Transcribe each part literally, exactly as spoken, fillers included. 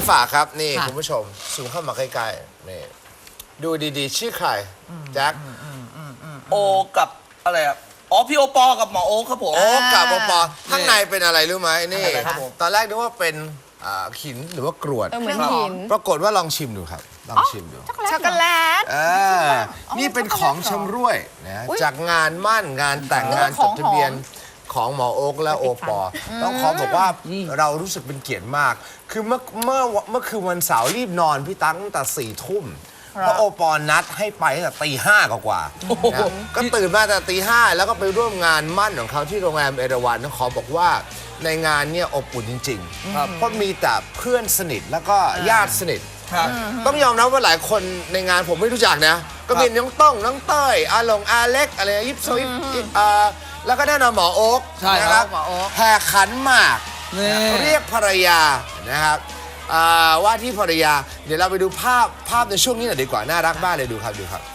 ฝากครับนี่คุณผู้ชมซูมเข้ามาใกล้ๆนี่ดูดีๆชื่อใครแจ็คโอกับอะไรอ่ะอ๋อพี่โอปอกับหมอโอครับผมโอ้กับโอปอข้างในเป็นอะไรรู้ไหมนี่ครับผมตอนแรกนึกว่าเป็นหินหรือว่ากรวดเหมือนหินปรากฏว่าลองชิมดูครับลองชิมดูช็อกโกแลตเออนี่เป็นของชำร่วยนะจากงานมั่นงานแต่งงานจดทะเบียนของหมอโอ๊กและโอปอต้องขอบอกว่าเรารู้สึกเป็นเกียรติมาก คือเมื่อเมื่อเมื่อคืนวันเสาร์รีบนอนพี่ตั้งตั้งแต่สี่ทุ่มเพราะโอปอนัดให้ไปตั้งแต่ตีห้ากว่าๆก็ตื่นมาแต่ตีห้าแล้วก็ไปร่วมงานมั่นของเขาที่โรงแรมเอราวัณต้องขอบอกว่าในงานเนี่ยอบอุ่นจริงๆเพราะมีแต่เพื่อนสนิทแล้วก็ญาติสนิทต้องยอมรับว่าหลายคนในงานผมไม่รู้จักนะก็มีน้องต้องน้องเต้ยอาหลงอาเล็กอะไรยิปโซยิปแล้วก็แน่นอนหมอโอ๊กนะครับแห่ขันหมากเรียกภรรยานะครับว่าที่ภรรยาเดี๋ยวเราไปดูภาพภาพในช่วงนี้หน่อยดีกว่าน่ารักมากเลยดูครับดูครับ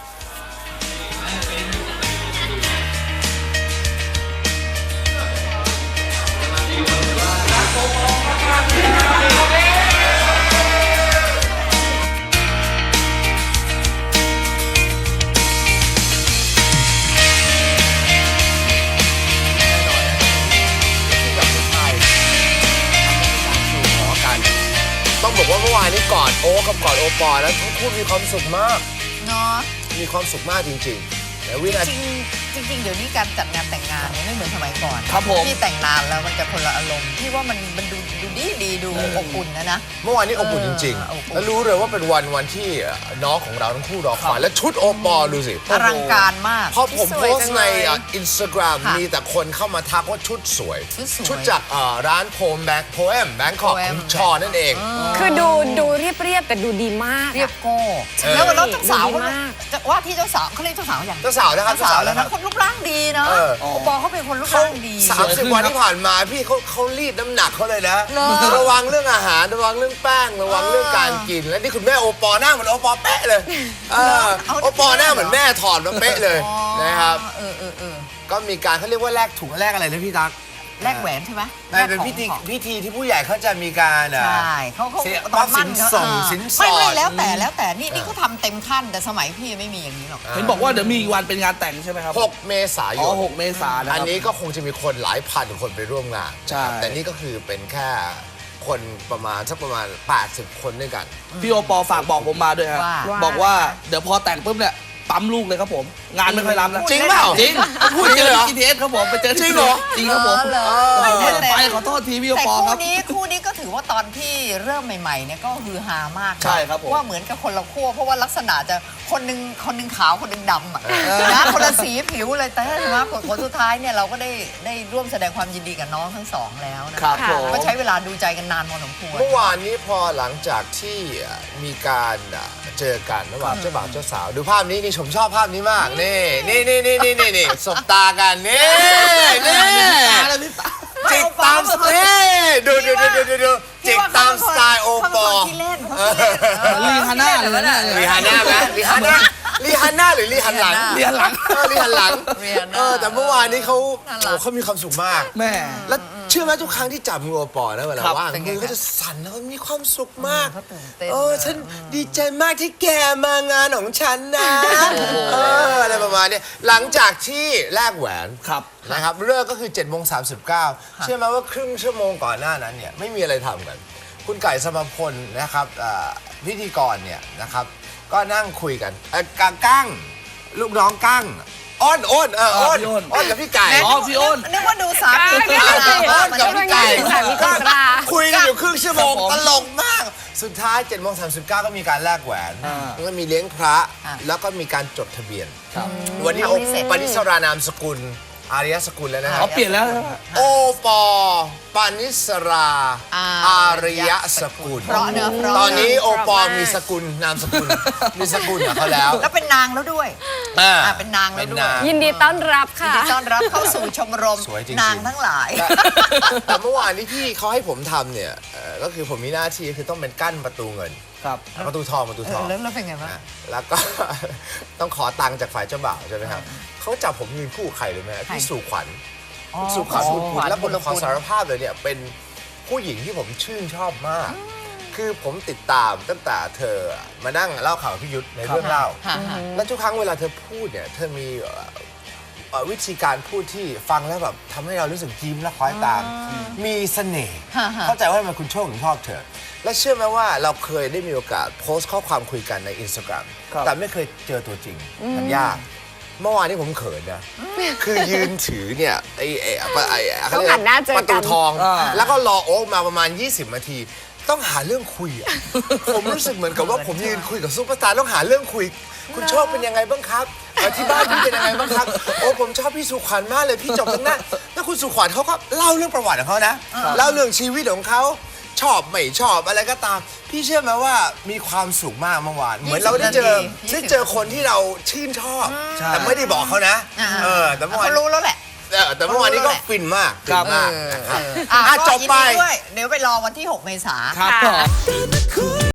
ต้องบอกว่าเมื่อวานนี้กอดโอ๊กับกอดโอปอแล้วทั้งคู่มีความสุขมากเนาะมีความสุขมากจริงๆแต่วินาทีจริงจริงเดี๋ยวนี้การจัดงานแต่งงานเนี่ยไม่เหมือนสมัยก่อนครับผมที่แต่งนานแล้วมันจะคนละอารมณ์ที่ว่ามันมันดูดูดีดีดูอบอุ่นนะนะเมื่อวานนี้อบอุ่นจริงๆแล้วรู้เลยว่าเป็นวันวันที่น้องของเราทั้งคู่รอคอยและชุดโอปอดูสิอลังการมากพอผมโพสต์ในอินสตาแกรมมีแต่คนเข้ามาทักว่าชุดสวยชุดจากร้านโพมแบงค์โพเอมแบงค์ของชอนั่นเองคือดูดูเรียบเรียบแต่ดูดีมากเรียบโก้แล้วแล้วเจ้าสาวว่าที่เจ้าสาวเขาเรียกเจ้าสาวอย่างเจ้าสาวนะครับเจ้าสาวแล้วนะคนรูปร่างดีเนาะโอปอเขาเป็นคนรูปร่างดีสามสิบวันที่ผ่านมาพี่เขาเขารีดน้ำหนักเขาเลยนะระวังเรื่องอาหารระวังเรื่องแป้งระวังเรื่องการกินและนี่คุณแม่โอปอหน้าเหมือนโอปอเป๊ะเลยโอปอหน้าเหมือนแม่ถอดมาเป๊ะเลยนะครับก็มีการเขาเรียกว่าแลกถุงแลกอะไรนะพี่ตั๊กแลกแหวนใช่ไหมเป็นพิธีพิธีที่ผู้ใหญ่เขาจะมีการใช่เขาเขาตอนมั่นส่งสินสอดไม่แล้วแต่แล้วแต่นี่นี่เขาทำเต็มขั้นแต่สมัยพี่ไม่มีอย่างนี้หรอกเห็นบอกว่าเดี๋ยวมีอีกวันเป็นงานแต่งใช่ไหมครับหกเมษายนอ๋อหกเมษายนอันนี้ก็คงจะมีคนหลายพันคนไปร่วมงานใช่แต่นี่ก็คือเป็นแค่คนประมาณสักประมาณแปดสิบคนด้วยกันพี่โอปอฝากบอกผมมาด้วยครับบอกว่าเดี๋ยวพอแต่งปุ๊บเนี่ยปั๊มลูกเลยครับผมงานไม่ค่อยรับแล้วจริงเปล่าจริงพูดจริงเหรอ จี ที เอส ครับผมไปเจอจริงเหรอจริงครับผมไปขอโทษทีพี่โอปอครับแต่คู่นี้คู่นี้ก็ถือว่าตอนที่เริ่มใหม่ๆเนี่ยก็ฮือฮามากใช่ครับผมว่าเหมือนกับคนละขั้วเพราะว่าลักษณะจะคนหนึ่งคนหนึ่งขาวคนหนึ่งดำอ่ะนะคนละสีผิวเลยแต่ว่าผลสุดท้ายเนี่ยเราก็ได้ได้ร่วมแสดงความยินดีกับน้องทั้งสองแล้วนะครับก็ใช้เวลาดูใจกันนานพอสมควรเมื่อวานนี้พอหลังจากที่มีการเจอกันระหว่างเจ้าบ่าวเจ้าสาวดูภาพนี้นี่ผมชอบภาพนี้มากนี่นี่นี่นี่นี่นี่นี่สบตากันนี่นี่จิกตามสไตล์ดูดูดูดูดูจิกตามสไตล์โอปอลีฮาน่าเลยนะลีฮาน่าไหมลีฮาน่าลีฮาน่าหรือลีฮันหลังลีฮันหลังลีฮันหลังเออแต่เมื่อวานนี้เขาเขามีความสุขมากแม่แล้วเชื่อไหมทุกครั้งที่จับมือโอปอนะเวลาว่างมือเขาจะสั่นแล้วมีความสุขมากเออฉันดีใจมากที่แกมางานของฉันนะเอออะไรประมาณนี้หลังจากที่แลกแหวนครับนะครับเลิกก็คือเจ็ดโมงสามสิบเก้าเชื่อไหมว่าครึ่งชั่วโมงก่อนหน้านั้นเนี่ยไม่มีอะไรทำกันคุณไก่สมพลนะครับพิธีกรเนี่ยนะครับก็นั่งคุยกันกางกั้งลูกน้องกั้งอ้อนอ้นเอออ้นอ้นกับพี่ไก่อ๋อพี่อ้นนึกว่าดูสามอ้นกับพี่ไก่คุยกันอยู่ครึ่งชั่วโมงตลกมากสุดท้ายเจ็ดโมงสามสิบเก้าก็มีการแลกแหวนแล้วก็มีเลี้ยงพระแล้วก็มีการจดทะเบียนวันนี้ปณิสรานามสกุลอาริยสกุลแล้วนะเขาเปลี่ยนแล้วโอปอปานิสราอาริยสกุลตอนนี้โอปอมีสกุลนามสกุลมีสกุลของเขาแล้วแล้วเป็นนางแล้วด้วยอ่าเป็นนางแล้วด้วยยินดีต้อนรับค่ะยินดีต้อนรับเข้าสู่ชมรมนางทั้งหลายแต่เมื่อวานนี้ที่เขาให้ผมทำเนี่ยก็คือผมมีหน้าที่คือต้องเป็นกั้นประตูเงินประตูทองประตูทองแล้วเป็นไงบ้างแล้วก็ต้องขอตังค์จากฝ่ายเจ้าบ่าวใช่ไหมครับเขาจับผมยืนคู่ใครรู้ไหมพี่สุขวัญสุขวัญคุณแล้วผมขอสารภาพเลยเนี่ยเป็นผู้หญิงที่ผมชื่นชอบมากคือผมติดตามตั้งแต่เธอมานั่งเล่าข่าวพี่ยุทธในเรื่องเล่าค่ะค่ะและทุกครั้งเวลาเธอพูดเนี่ยเธอมีเอ่อเอ่อวิธีการพูดที่ฟังแล้วแบบทำให้เรารู้สึกยิ้มและคล้อยตาม มีเสน่ห์ฮะฮะเข้าใจว่าทำไมคุณโชคถึงชอบเธอ และเชื่อไหมว่าเราเคยได้มีโอกาสโพสต์ข้อความคุยกันในอินสตาแกรมครับแต่ไม่เคยเจอตัวจริงมันยาก เมื่อวานนี้ผมเขินนะ คือยืนถือเนี่ยไอ้ไอ้ไอ้ไอ้ต้องหันหน้าเจอกันประตูทองอ่าแล้วก็รอโอ๊คมาประมาณ ยี่สิบ นาที ต้องหาเรื่องคุยอะ ผมรู้สึกเหมือนกับว่าผมยืนคุยกับซุปเปอร์สตาร์ต้องหาเรื่องคุย คุณโชคเป็นยังไงบ้างครับเอ่อที่บ้านพี่เป็นยังไงบ้างครับ โอ้ผมชอบพี่สุขวัญมากเลยพี่จบตั้งหน้าแล้วคุณสุขวัญเขาก็เล่าเรื่องประวัติของเขานะเล่าเรื่องชีวิตของเขาชอบไม่ชอบอะไรก็ตาม พี่เชื่อไหมว่ามีความสุขมากเมื่อวานเหมือนเราได้เจอยี่สิบได้เจอคนที่เราชื่นชอบใช่แต่ไม่ได้บอกเขานะอ่าเออแต่เมื่อวานเขารู้แล้วแหละเออแต่เมื่อวานนี้ก็ฟินมากฟิครันบมากเออนะครับอ่ะอ่ะก็จบไปยินดีด้วยเดี๋ยวไปรอวันที่หกเมษาครับผม